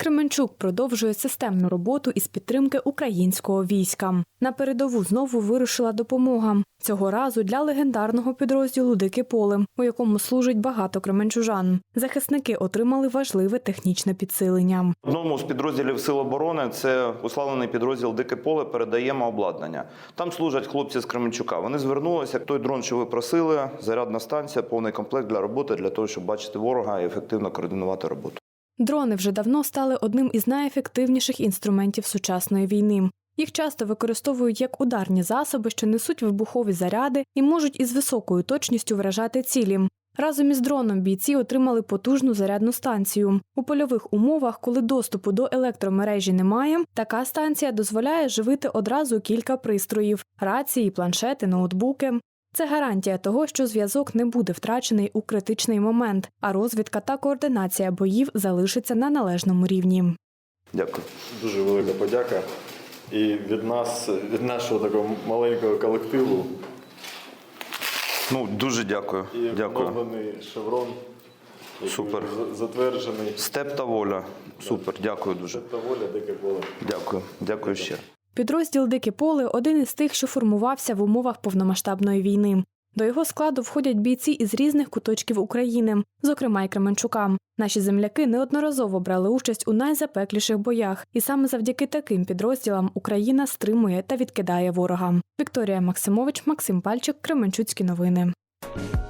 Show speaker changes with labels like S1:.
S1: Кременчук продовжує системну роботу із підтримки українського війська. На передову знову вирушила допомога. Цього разу для легендарного підрозділу «Дике поле», у якому служить багато кременчужан. Захисники отримали важливе технічне підсилення.
S2: Одному з підрозділів Сил оборони, це уславлений підрозділ «Дике поле», передаємо обладнання. Там служать хлопці з Кременчука. Вони звернулися, той дрон, що ви просили, зарядна станція, повний комплект для роботи, для того, щоб бачити ворога і ефективно координувати роботу.
S1: Дрони вже давно стали одним із найефективніших інструментів сучасної війни. Їх часто використовують як ударні засоби, що несуть вибухові заряди і можуть із високою точністю вражати цілі. Разом із дроном бійці отримали потужну зарядну станцію. У польових умовах, коли доступу до електромережі немає, така станція дозволяє живити одразу кілька пристроїв – рації, планшети, ноутбуки. Це гарантія того, що зв'язок не буде втрачений у критичний момент, а розвідка та координація боїв залишиться на належному рівні.
S2: Дякую.
S3: Дуже велика подяка. І від нас, від нашого такого маленького колективу.
S2: Дуже дякую.
S3: І
S2: Дякую.
S3: оновлений шеврон,
S2: Супер.
S3: Затверджений.
S2: Степ та воля. Супер. Дякую дуже.
S3: Степ та воля, Дике поле.
S2: Дякую. Дякую ще.
S1: Підрозділ «Дике поле» – один із тих, що формувався в умовах повномасштабної війни. До його складу входять бійці із різних куточків України, зокрема й Кременчука. Наші земляки неодноразово брали участь у найзапекліших боях, і саме завдяки таким підрозділам Україна стримує та відкидає ворога. Вікторія Максимович, Максим Пальчик, Кременчуцькі новини.